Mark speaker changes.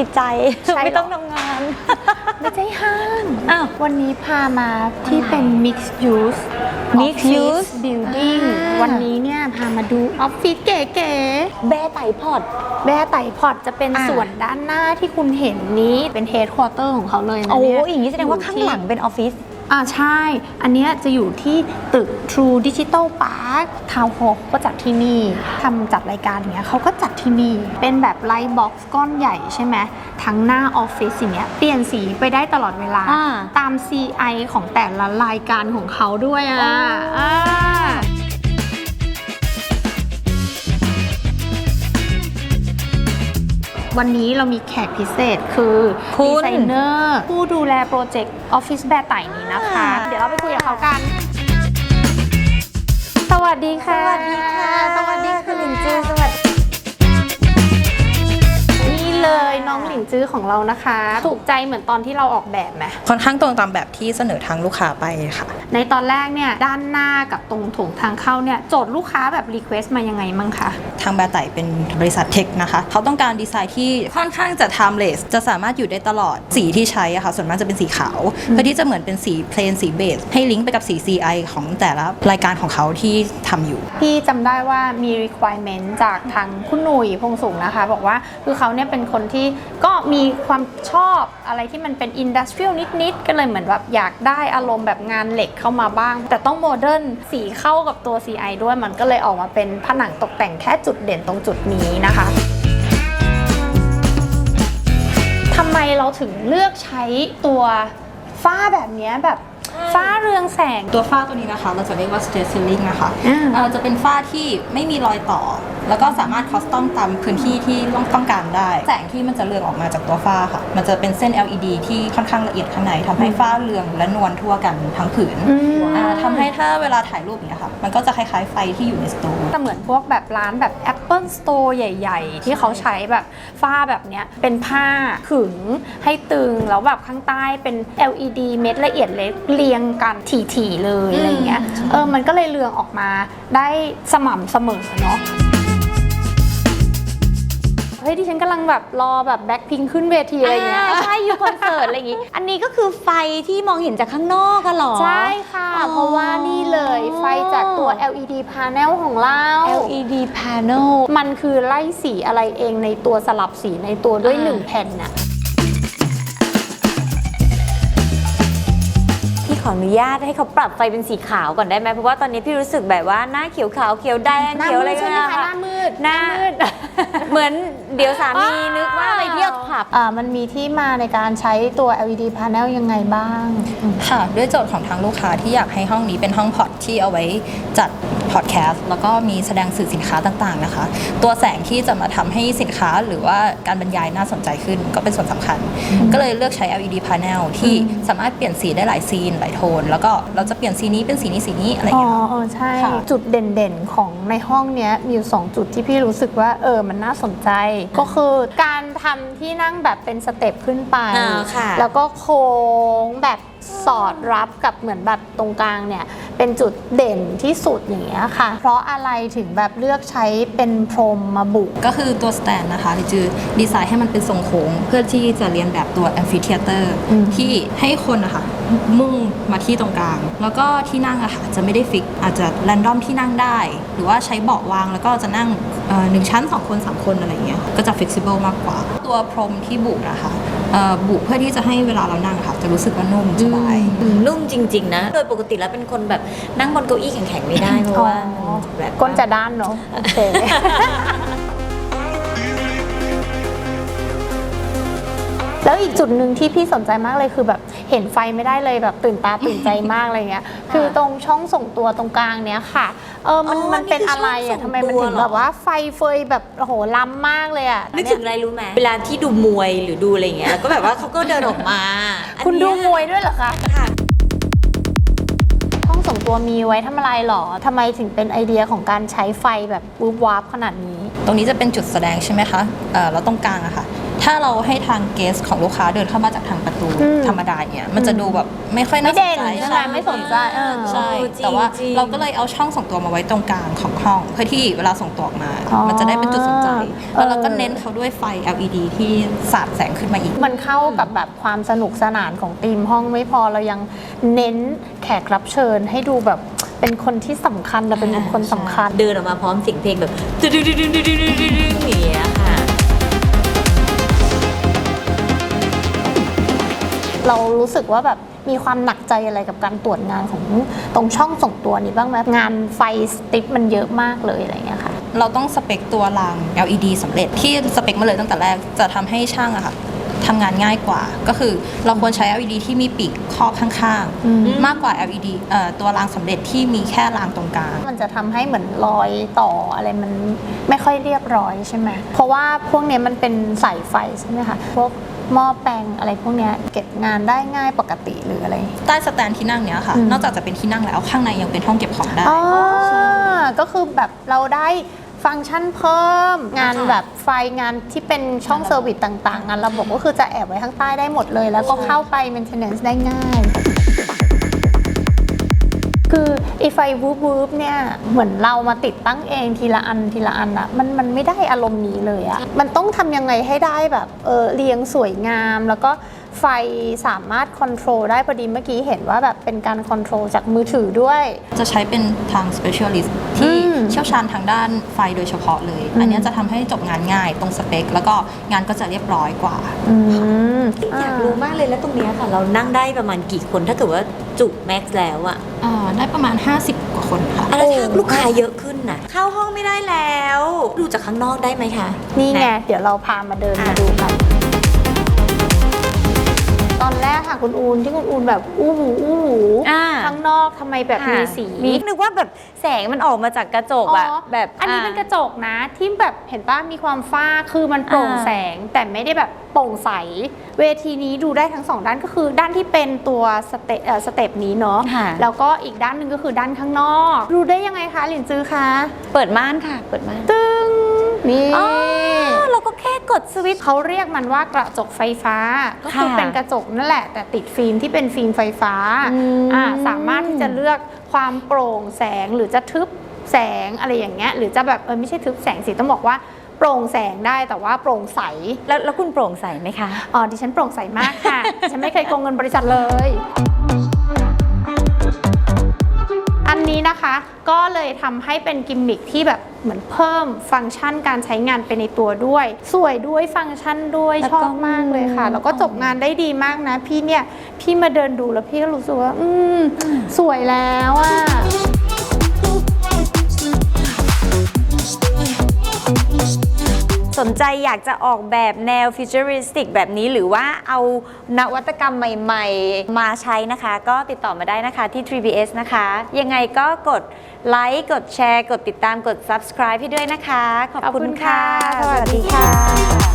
Speaker 1: ดีใจไม่ต้องทำงาน
Speaker 2: ไม่ใช่ห้าง
Speaker 1: อ้าว
Speaker 2: วันนี้พามาที่เป็น mixed use
Speaker 1: Mixed
Speaker 2: office
Speaker 1: use
Speaker 2: building วันนี้เนี่ยพามาดูออฟฟิศเก๋
Speaker 1: แบร์ไต่พอด
Speaker 2: ๆแบร์ไต่พอร์ตจะเป็นส่วนด้านหน้าที่คุณเห็นนี้เป็น headquarter ของเขาเลยนะ
Speaker 1: โอ้
Speaker 2: เนี่ย
Speaker 1: อย่างนี้แสดงว่าข้างหลังเป็นออฟฟิศ
Speaker 2: ใช่ อันเนี้ยจะอยู่ที่ตึก True Digital Park Town Hall ก็จัดที่นี่ทำจัดรายการอย่างเงี้ยเขาก็จัดที่นี่ เป็นแบบไลท์บ็อกซ์ก้อนใหญ่ใช่ไหมทั้งหน้าออฟฟิศอย่างเงี้ยเปลี่ยนสีไปได้ตลอดเวลา ตาม CI ของแต่ละรายการของเขาด้วยวันนี้เรามีแขกพิเศษคือดีไซเนอร์ผู้ดูแลโปรเจกต์ออฟฟิศแบร์ไต่นี้นะคะ เดี๋ยวเราไปคุยกับเขากัน สวัสดีค่ะ
Speaker 1: สวัสดีค่ะ
Speaker 2: สวัสดีค่ะ
Speaker 1: หลินจือสวัสดี
Speaker 2: นี่เลยน้องหลินจื้อของเรานะคะ ถูกใจเหมือนตอนที่เราออกแบบไหม
Speaker 3: ค่อนข้างตรงตามแบบที่เสนอทางลูกค้าไปค่ะ
Speaker 2: ในตอนแรกเนี่ยด้านหน้ากับตรงโถงทางเข้าเนี่ยโจทย์ลูกค้าแบบรีเควสต์มายังไงมั่งคะ
Speaker 3: ทางแบร์ไต่เป็นบริษัทเทคนะคะ เขาต้องการดีไซน์ที่ค่อนข้างจะ timeless จะสามารถอยู่ได้ตลอดสีที่ใช้อะค่ะส่วนมากจะเป็นสีขาว เพื่อที่จะเหมือนเป็นสีเพลนสีเบสให้ลิงก์ไปกับสี CI ของแต่ละรายการของเขาที่ทำอยู่
Speaker 2: พี่จำได้ว่ามี requirement จากทางคุณหนุ่ยพงษ์สูงนะคะ บอกว่าคือเขาเนี่ยเป็นคนที่ก็มีความชอบอะไรที่มันเป็น industrial นิดๆก็เลยเหมือนแบบอยากได้อารมณ์แบบงานเหล็กเข้ามาบ้าง แต่ต้องโมเดิร์นสีเข้ากับตัว CI ด้วยมันก็เลยออกมาเป็นผนังตกแต่งแค่จุดเด่นตรงจุดนี้นะคะทำไมเราถึงเลือกใช้ตัวฝ้าแบบนี้แบบฝ้าเรืองแสง
Speaker 3: ตัวฝ้าตัวนี้นะคะเราจะเรียกว่า straight ceiling นะคะ
Speaker 2: อ่า
Speaker 3: จะเป็นฝ้าที่ไม่มีรอยต่อ แล้วก็สามารถคอสตอมตามพื้นที่ที่ต้องการได้ แสงที่มันจะเรืองออกมาจากตัวฝ้าค่ะ มันจะเป็นเส้น LED ที่ค่อนข้างละเอียดข้างในทำให้ฝ้าเรืองและนวลทั่วกันทั้งผืนทำให้ถ้าเวลาถ่ายรูปเนี่ยค่ะมันก็จะคล้ายๆไฟที่อยู่ในสตู
Speaker 2: แต่เหมือนพวกแบบร้านแบบ Apple Store ใหญ่ๆ ที่เขาใช้แบบฝ้าแบบเนี้ยเป็นผ้าขึงให้ตึงแล้วแบบข้างใต้เป็น LED เม็ดละเอียดเล็กเรียงกันถี่ๆเลยอะไรเงี้ยมันก็เลยเรืองออกมาได้สม่ำเสมอเนาะเฮ้ยดิฉันกำลังแบบรอแบบแบ็คพิงขึ้นเวทีอะไรเงี้ย
Speaker 1: ใช่อยู่คอนเสิร์ตอะไรอย่างงี้ อันนี้ก็คือไฟที่มองเห็นจากข้างนอกกันหรอ
Speaker 2: ใช่ค่ะ เพราะว่านี่เลยไฟจากตัว LED panel ของเรา
Speaker 1: LED panel
Speaker 2: มันคือไล่สีอะไรเองในตัวสลับสีในตัวด้วย1แผ่นน่ะ
Speaker 1: พี่ขออนุญาตให้เขาปรับไฟเป็นสีขาวก่อนได้ไหมเพราะว่าตอนนี้พี่รู้สึกแบบว่าหน้าเขียวขาวเขียวแดงเขียวอะไร
Speaker 2: ใช่ไหม
Speaker 1: นะ
Speaker 2: คะห
Speaker 1: คะ
Speaker 2: น้ามืด
Speaker 1: หน้าเหมือนเดี๋ยวสามีนึกว่าไปเที่ยวผับ
Speaker 2: มันมีที่มาในการใช้ตัว LED panel ยังไงบ้าง
Speaker 3: ค่ะด้วยโจทย์ของทางลูกค้าที่อยากให้ห้องนี้เป็นห้องพอดที่เอาไว้จัดพอดแคสต์แล้วก็มีแสดงสื่อสินค้าต่างๆนะคะตัวแสงที่จะมาทำให้สินค้าหรือว่าการบรรยายน่าสนใจขึ้นก็เป็นส่วนสำคัญ ก็เลยเลือกใช้ LED panel ที่สามารถเปลี่ยนสีได้หลายซีนหลายโทนแล้วก็เราจะเปลี่ยนสีนี้เป็นสีนี้สีนี้อะไรอย่างเงี้ย
Speaker 2: ใช่
Speaker 3: ค่ะ
Speaker 2: จุดเด่นๆ ของในห้องเนี้ยมีอยู่2จุดที่พี่รู้สึกว่ามันน่าสนใจ ก็คือการทำที่นั่งแบบเป็นสเต็ปขึ้นไป
Speaker 1: ค่ะ
Speaker 2: แล้วก็โค้งแบบสอดรับกับเหมือนแบบตรงกลางเนี่ยเป็นจุดเด่นที่สุดอย่างเงี้ยค่ะ เพราะอะไรถึงแบบเลือกใช้เป็นพรมมาบุ
Speaker 3: ก็คือตัวสแตนนะคะที่จือดีไซน์ให้มันเป็นทรงโค้งเพื่อที่จะเรียนแบบตัวแอมฟิเทียเตอร์ที่ให้คนนะคะมุ่งมาที่ตรงกลาง แล้วก็ที่นั่งอะค่ะจะไม่ได้ฟิกอาจจะแรนดอมที่นั่งได้ หรือว่าใช้เบาะวางแล้วก็จะนั่ง1 ชั้น 2 คน 3 คนอะไรเงี้ยก็จะฟ flexible มากกว่า ตัวพรมที่บุนะคะบุเพื่อที่จะให้เวลาเรานั่งค่ะจะรู้สึกว่านุ่มสบาย
Speaker 1: นุ่มจริงๆนะโดยปกติแล้วเป็นคนแบบนั่งบนเก้าอี้แข็งๆไม่ได้เพราะว่าแบบ
Speaker 2: ก้นจะด้านเนาะโอเค แล้วอีกจุดหนึ่งที่พี่สนใจมากเลยคือแบบเห็นไฟไม่ได้เลยแบบตื่นตาตื่นใจมากอะไรเงี้ย คือตรงช่องส่งตัวตรงกลางเนี้ยค่ะมันเป็นอะไรอ่ะทำไมมันถึงแบบว่าไฟเฟยแบบโอ้โหล้ำมากเลยอ่ะ
Speaker 1: นึกถึงอะไรรู้ไหมเวลาที่ดูมวยหรือดูอะไรเงี้ยแล้วก็แบบว่าเขาก็เดินออกมา
Speaker 2: คุณดูมวยด้วยเหรอคะ
Speaker 1: ค่ะ
Speaker 2: ห้องส่งตัวมีไว้ทำอะไรหรอทำไมถึงเป็นไอเดียของการใช้ไฟแบบวูบวาบขนาดนี้
Speaker 3: ตรงนี้จะเป็นจุดแสดงใช่ไหมคะแล้วตรงกลางอะค่ะถ้าเราให้ทางเกสของลูกค้าเดินเข้ามาจากทางประตูธรรมดาเนี่ยมันจะดูแบบไม่ค่อยน่าสนใจ
Speaker 2: ไม่เด่นใช่ไหมไม่สนใจ
Speaker 3: ใช่
Speaker 1: จริง
Speaker 3: แต่ว่า
Speaker 1: จริง
Speaker 3: เราก็เลยเอาช่องส่งตัวมาไว้ตรงกลางของห้องเพื่อที่เวลาส่งตัวออกมา มันจะได้เป็นจุดสนใจแล้วเราก็เน้นเขาด้วยไฟ LED ที่สาดแสงขึ้นมาอีก
Speaker 2: มันเข้ากับแบบความสนุกสนานของธีมห้องไม่พอเรายังเน้นแขกรับเชิญให้ดูแบบเป็นคนที่สำคัญและเป็นบุคคลสำคัญ
Speaker 1: เดินออกมาพร้อมเสียงเพลงแบบดึงดึงดึงดึงดึงดึงดึงอย่างเงี้ยค่ะ
Speaker 2: เรารู้สึกว่าแบบมีความหนักใจอะไรกับการตรวจงานของตรงช่องส่งตัวนี้บ้างไหมงานไฟสติ๊กมันเยอะมากเลยอะไรเงี้ยค่ะ
Speaker 3: เราต้องสเปคตัวราง LED สำเร็จที่สเปคมาเลยตั้งแต่แรกจะทำให้ช่างอะค่ะทำงานง่ายกว่าก็คือเราควรใช้ LED ที่มีปีกครอบข้างๆมากกว่า LED ตัวรางสำเร็จที่มีแค่รางตรงกลาง
Speaker 2: มันจะทำให้เหมือนรอยต่ออะไรมันไม่ค่อยเรียบร้อยใช่ไหมเพราะว่าพวกเนี้ยมันเป็นสายไฟใช่ไหมคะพวกหม้อแปลงอะไรพวกเนี้ยเก็บงานได้ง่ายปกติหรืออะไร
Speaker 3: ใต้สแตนที่นั่งเนี้ยค่ะ นอกจากจะเป็นที่นั่งแล้วข้างในยังเป็นห้องเก็บของได้
Speaker 2: อ๋อก็คือแบบเราได้ฟังก์ชันเพิ่มงานแบบไฟงานที่เป็นช่องเซอร์วิสต่างๆ งานระบบก็คือจะแอบไว้ข้างใต้ได้หมดเลย แล้วก็เข้าไป maintenance ได้ง่าย คือไอไฟวูบๆเนี่ยเหมือนเรามาติดตั้งเองทีละอันทีละอันอะมันไม่ได้อารมณ์นี้เลยอะมันต้องทำยังไงให้ได้แบบเรียงสวยงาม แล้วก็ไฟสามารถคอนโทรลได้พอดีเมื่อกี้เห็นว่าแบบเป็นการคอนโทรลจากมือถือด้วย
Speaker 3: จะใช้เป็นทาง specialist ที่เชี่ยวชาญทางด้านไฟโดยเฉพาะเลย อันเนี้ยจะทำให้จบงานง่ายตรงสเปคแล้วก็งานก็จะเรียบร้อยกว่า
Speaker 1: อยากรู้มากเลยแล้วตรงเนี้ยค่ะ เรานั่งได้ประมาณกี่คนถ้าเกิดว่าจุแม็กซ์แล้วอะ
Speaker 3: ได้ประมาณ 50 กว่าคนค่ะ
Speaker 1: แล้วถ้าลูกค้าเยอะขึ้นน่ะเข้าห้องไม่ได้แล้ว ดูจากข้างนอกได้ไหมคะ
Speaker 2: นี่ไง
Speaker 1: ะ
Speaker 2: เดี๋ยวเราพามาเดินมาดูกัน ตอนแรกค่ะคุณอูนที่คุณอูนแบบอู้หูข้างนอกทำไมแบบมีสี
Speaker 1: นึกว่าแบบแสงมันออกมาจากกระจกอะแบบ
Speaker 2: อันนี้เป็นกระจกนะที่แบบเห็นป่ะมีความฟ้าคือมันโปร่งแสงแต่ไม่ได้แบบโปร่งใสเวทีนี้ดูได้ทั้งสองด้านก็คือด้านที่เป็นตัวสเต็ปนี้เนาะ
Speaker 1: ค่ะ
Speaker 2: แล้วก็อีกด้านหนึ่งก็คือด้านข้างนอกดูได้ยังไงคะหลินจื้อคะ
Speaker 1: เปิดม่านค่ะ เปิดม่าน
Speaker 2: ตึ้งนี่
Speaker 1: อ๋อเราก็แค่กดสวิตช์
Speaker 2: เขาเรียกมันว่ากระจกไฟฟ้าก็คือ
Speaker 1: ค่ะ
Speaker 2: เป็นกระจกนั่นแหละแต่ติดฟิล์มที่เป็นฟิล์มไฟฟ้าสามารถที่จะเลือกความโปร่งแสงหรือจะทึบแสงอะไรอย่างเงี้ยหรือจะแบบไม่ใช่ทึบแสงสิต้องบอกว่าโปร่งแสงได้แต่ว่าโปร่งใส
Speaker 1: แล้วคุณโปร่งใสไหมคะ
Speaker 2: อ๋อดิฉันโปร่งใสมากค่ะ ฉันไม่เคยโกงเงินบริษัทเลย อันนี้นะคะก็เลยทำให้เป็นกิมมิคที่แบบเหมือนเพิ่มฟังก์ชันการใช้งานไปในตัวด้วย สวยด้วยฟังก์ชันด้วย
Speaker 1: แล้ว
Speaker 2: ช
Speaker 1: ก็
Speaker 2: อบมากเลยค่ะ แล้วก็จบงานได้ดีมากนะพี่มาเดินดูแล้วพี่ก็รู้สึกว่าสวยแล้วอะ
Speaker 1: สนใจอยากจะออกแบบแนวฟิวเจอริสติกแบบนี้หรือว่าเอานวัตกรรมใหม่ๆ มาใช้นะคะ ก็ติดต่อมาได้นะคะที่ 3BS นะคะ ยังไงก็กดไลค์กดแชร์ กดติดตามกด subscribe ให้ด้วยนะคะ ขอบคุณค่ะ
Speaker 2: สวัสดีค่ะ